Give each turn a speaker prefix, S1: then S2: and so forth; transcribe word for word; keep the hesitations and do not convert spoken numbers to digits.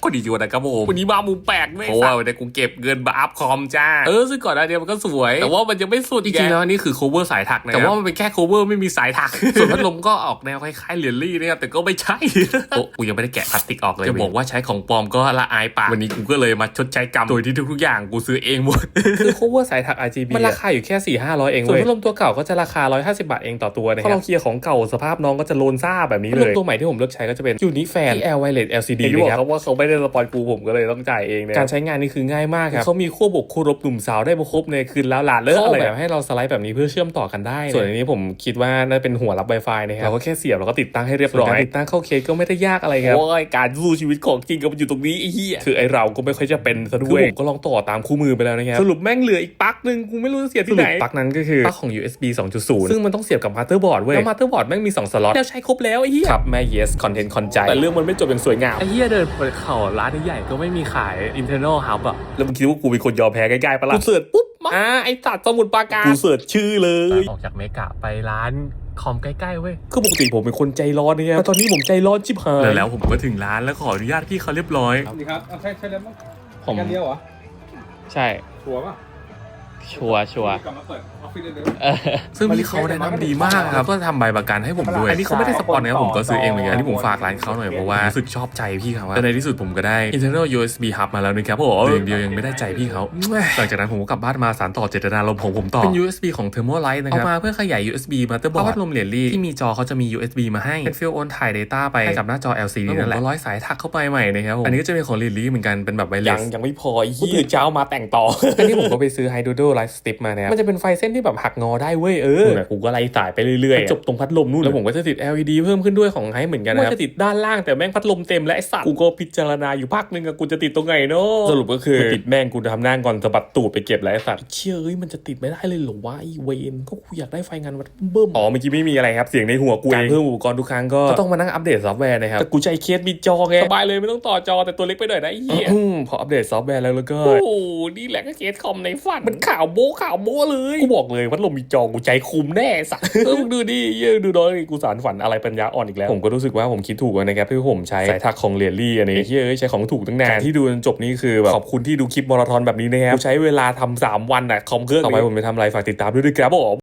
S1: คนดีอยู่นะครับผมวันนี้มามุมแปลกด้วยเพราะว่าวันนี้กูเก็บเงินมาอัพคอมจ้าเออซึ่งก่อนหน้านี้มันก็สวยแต่ว่ามันยังไม่สุดจริงๆแล้วนี่คือ cover สายถักนะแต่ว่ามันเป็นแค่ cover ไม่มีสายถักส่วนพัดลมก็ออกแนวคล้ายๆเหรียญลี่นะครับแต่ก็ไม่ใช่โอ้กูยังไม่ได้แกะพลาสติกออกเลยจะบอกว่าใช้ของปลอมก็ละอายปากวันนี้กูก็เลยมาชดใช้กรรมโดยที่ทุกๆอย่างกูซื้อเองหมดคือ cover สายถัก อาร์ จี บี มันราคาอยู่แค่ สี่ห้าร้อย เองเว้ยส่วนพัดลมตัวเก่าก็จะราคาหนึ่งร้อยห้าสิบบาทเองต่อตัวนะครับพอเราเคลียร์ของเก่าสภาพน้องก็จะโลนซ่าแบบนี้เลยพัดลมตัวใหม่ที่ผมเลือกใช้ก็จะเป็น Unifan ที่ แอล Wireless แอล ซี ดี นะครับเพราะว่าเขาไม่ได้สปอนกูผมก็เลยต้องจ่ายเองนะการใช้งานนี่คือง่ายมากครับเขามีขั้วบวกขั้วลบหนุ่มสาวได้ครบในคืนแล้วหลาเลิกอะไรแบบให้เราสไลด์แบบนี้เพื่อเชื่อมต่อกันได้ส่วนอันนี้ผมคิดว่าน่าเป็นหัวรับ Wi-Fi นะครับเราก็แค่เสียบแล้วก็ติดตั้งให้เรียบร้อยติดตั้งเข้าเคสก็ไม่ได้ยากอะไรครับโอ้ยการสู้ชีวิตของจริงก็มันอยู่ตรงนี้ไอ้เหี้ยคือไอเราก็ไม่ค่อยจะเป็นซะด้วยผมก็ลองต่อตามคู่มือไปแล้วนะครับสรุปแม่งเหลืออีกปลั๊กนึงกูไม่รู้จะเสียบที่ไหนปลั๊กนั้นก็คือปลั๊กของ ยู เอส บี สองจุดศูนย์ ซึ่งมันต้องเสียบกับมาเตอร์บอร์ดเว้ยแล้วมาเตอร์บอร์ดแม่งมีสองสล็อตแล้วใช้ครบแล้วไอ้เหี้ยครับแม่ yes content คอนใจแต่เรื่องมันไม่จบอย่างสวยงามไอ้เหี้ยเดินเปิดเข่าร้านใหญ่ก็ไม่มีขาย internal hub อ่ะแล้วมึงคิดว่ากูเป็นคนยอมแพ้ใกล้ๆปะล่ะกูเสิร์ชปุ๊บมาอ่าไอ้สัตว์สมุทรปราการกูเสิร์ชชื่อเลยออกจากเมกะไปร้านคอมใกล้ๆเว้ยคือปกติผมเป็นคนใจร้อนเนี่ยแต่ตอนนี้ผมใจร้อนชิบหายแล้วผมก็ถึงร้านแล้วขออนุญาตพี่เขาเรียบร้อย
S2: สวัสดีครับใช่ใช่แล้วมั้งผมกันเดียวเหรอ
S3: ใช่
S2: ชัวร์ป่ะ
S3: ชัวร์ชัวร์
S2: กลับมาเปิดออฟฟิศเดิม
S1: ซึ่งพี่เขาแนะนำดีมากครับก็ทำใบประกันให้ผมด้วยอันนี้เขาไม่ได้สปอนนะครับผมก็ซื้อเองเหมือนกันอันนี้ผมฝากร้านเขาหน่อยเพราะว่ารู้สึกชอบใจพี่เขาแต่ในที่สุดผมก็ได้ internal ยู เอส บี hub มาแล้วนะครับผมอย่างเดียวยังไม่ได้ใจพี่เขาหลังจากนั้นผมก็กลับบ้านมาสานต่อเจตนารมณ์ของผมต่อเป็น ยู เอส บี ของ Thermalite นะครับเอามาเพื่อขยาย ยู เอส บี motherboard พัดลมเหรียญลี่ที่มีจอเขาจะมี ยู เอส บี มาให้เป็นฟิลโอนถ่าย data ไปให้กับหน้าจอ แอล ซี ดี นั่นแหละร้อยสายถักเข้าไปใหม่นะครับผมอันนี้ก็จะเป็นของเหรียญลี่เหมือนกันเป็นแบบไวเลสยังไม่พออีกตื่นเช้ามาแต่งต่ออันนี้ผมก็ไปซื้อ Hydrodo Light Strip มานะครับมันจะเป็นไฟเส้นที่แบบหักงอได้เว้ยเออกูก็ไล่สายไปเรื่อยๆจบตรงพัดลมนู่นแล้วผมก็จะติด แอล อี ดี เพิ่มขึ้นด้วยของไฮเหมือนกันนะครับว่าจะติดด้านล่างแต่แม่งพัดลมเต็มและไอ้สัตว์กูก็พิจารณาอยู่พักนึงอะกูจะติดตรงไหนเนาะสรุปก็คือติดแม่งกูทำหน้าก่อนสะบัดตูดไปเก็บแล้วไอ้สัตว์เชื่อเอ้ยมันจะติดไม่ได้เลยเหรอวะไอ้เวนก็กูอยากได้ไฟงานวัดเบิ่มอ๋อเมื่อกี้ไม่มีอะไรครับเสียงในหัวกูการเพิ่มอุปกรณ์ทุกครั้งก็ต้องมานั่งอัปเดตซอฟต์แวร์นะครับแต่กูใช้เคสมีจอไงสบายเลยไม่ต้องต่อจอแต่ตัวเล็กไปหน่อยนะไอ้เหี้ยพออัปเดตซอฟต์แวร์แล้วแล้วก็โอ้นี่แหละก็เคสคอมในฝันมันข่าวโบ้ข่าวโบ้เลยกูบอกเลยพัดลมมีจอกูใจคุมแน่สัตว์เออมึงดูดิเยอะดูน้อยกูสารฝันอะไรปัญญาอ่อนอีกแล้วผมก็รู้สึกว่าผมคิดถูกนะครับที่ผมใช้สายถักของเหรียญลี่อันนี้เฮ้ยใช้ของถูกตั้งนานที่ดูจนจบนี่คือแบบขอบคุณที่ดูคลิปมาราธอนแบบนี้นะครับใช้เวลาทำสามวันอ่ะคอมเครื่องต่อไปผมจะทำอะไรฝากติดตามด้วยด้วยครับผม